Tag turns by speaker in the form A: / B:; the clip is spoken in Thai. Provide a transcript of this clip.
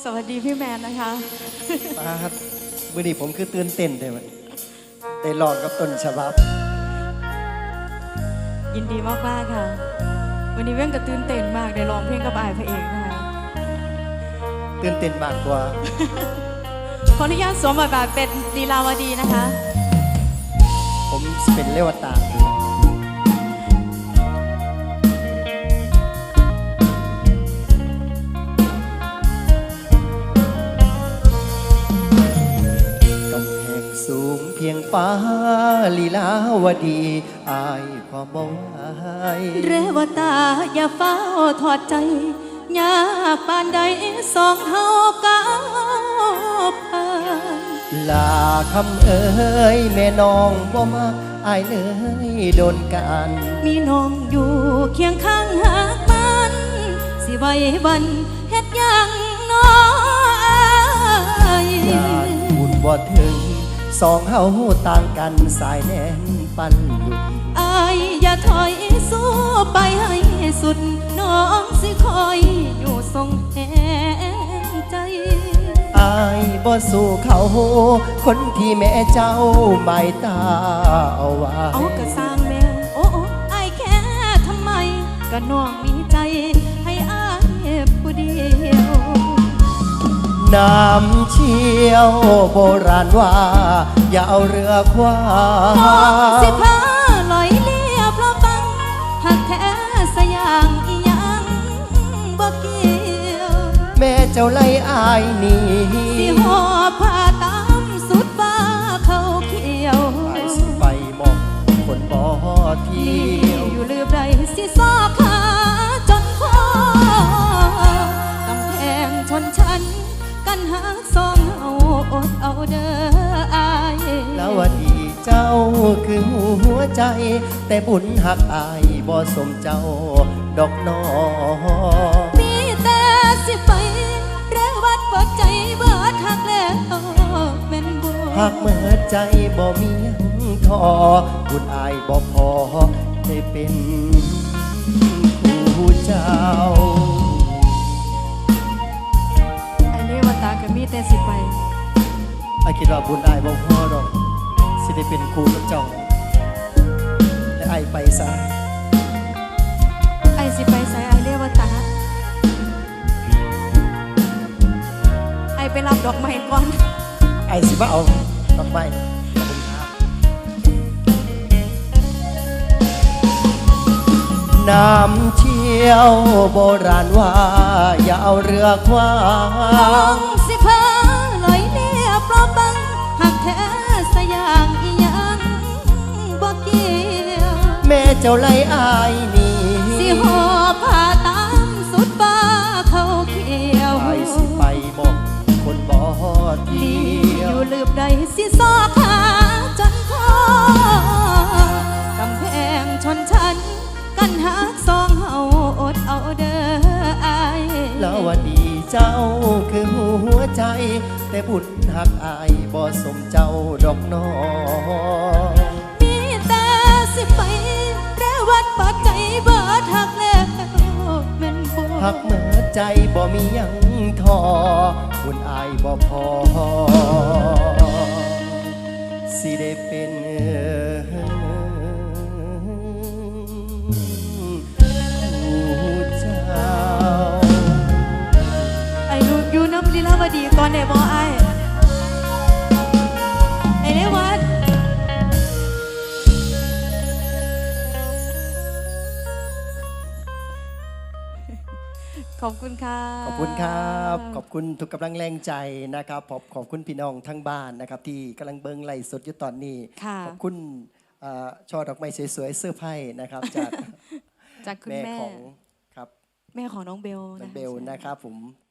A: สวัสดีพี่แมนนะคะ
B: ครับมื่อนี้ผมคือตื่นเต้นได้ไหมได้ลองกับต้นฉบับ
A: ยินดีมากๆค่ะวันนี้เว้นก็ตื่นเต้นมากได้ร้องเพลงกับอายพระเอกนะคะ
B: ตื่นเต้นมากกว่า
A: ขออนุญาตสวมบทบาทเป็นลีลาวดีนะคะ
B: ผมเป็นเลวตาสูงเพียงฟ้าลีลาวดีอายความบ่ไหว
A: เรวตาอย่าเฝ้าถอดใจยากปานใดสองเฮาก้าวผ่าน
B: ลาคำเอ้ยแม่น้องบ่มาอายเลยโดนกัน
A: มีน้องอยู่เคียงข้างหากมันสิไว้วันเฮ็ดยังน้อย
B: อยากบุญบ่ถึงสองเฮาต่างกันสายแน่นปันหลุด
A: อายอย่าถอยสู้ไปให้สุดน้องสิคอยอยู่ทรงแห่งใจ
B: อายบ่สู้เขาคนที่แม่เจ้าหมายตาเอาไว้
A: เอากระสร้างแม่โอ้อายแค่ทำไมก็น้องมีใจให้อายผู้เดียว
B: น้ำเชี่ยวโบราณว่าอย่าเอาเรือคว้า
A: น้องสิพาลอยเลียเพราะบังหักแท้สยางอีหยังบ่เกี่ยว
B: แม่เจ้าไล่อายนี่
A: สิหอบผ้าตามสุดฟ้าเขาเขียว
B: ไปสิไปมองคนบ่เที่ยว
A: อยู่ลืมใดสิซอกขาจนคอกำแพงชนชั้นกันหักสองเอาอดเอาเด้ออาย
B: แล้ววันดีเจ้าคือหัวใจแต่บุญหักอายบ่สมเจ้าดอกน้อ
A: มีแต่สิไปเรวัดปดใจเบิดหักแล้วแม่นบ่
B: หักเมื่อใจบ่มียังทอบุญอายบ่พอได้เป็นผู้เจ้า
A: ตาก็มีแต่สิไป
B: ไอ้คิดว่าบุญอายบ่พอดอกสิได้เป็นครูกับเจ้าและไอ้ไปซะ
A: ไอ้สิไปใส่ไอ้เรียกว่าตาไอ้ไปรับดอกไม้ก่อน
B: ไอ้สิมาเอาดอกไม้น้ำเชี่ยวโบราณว่าอย่าเอาเรือคว้า
A: น้องสิพาลอยเลียเพราะบังหักแท้สยางอีหยังบ่เกี่ยว
B: แม่เจ้าไล่อายนี่
A: สิหอบผ้าตามสุดฟ้าเขาเขียว
B: ไปสิไปบอกคนบ่เที่ยว
A: อยู่ลืมใดสิซอกขาจนคอกำแพงชนชั้นกันหักสองเฮาอดเอาเด้ออาย
B: แล้ววันดีเจ้าคือหัวใจแต่บุญหักอายบ่สมเจ้าดอกน้อ
A: มีแต่สิไปเรวัดปัดใจเบิดหักแล้วแม่นบ่
B: หักเมื่อใจบ่มียังทอบุญอายบ่พอสิได้เป็น
A: ลีลาวดีก่อนได้บ่ไอ้เรวัดขอบคุณค่ะ
B: ขอบคุณครับขอบคุณทุกกำลังแรงใจนะครับขอบคุณพี่น้องทั้งบ้านนะครับที่กำลังเบิ่งไลฟ์สดอยู่ตอนนี้ขอบคุณช่อดอกไม้สวยๆเสื้อผ้านะครับจาก
A: คุณแม่
B: ของครับ
A: แม่ของน้องเบล
B: นะครับผม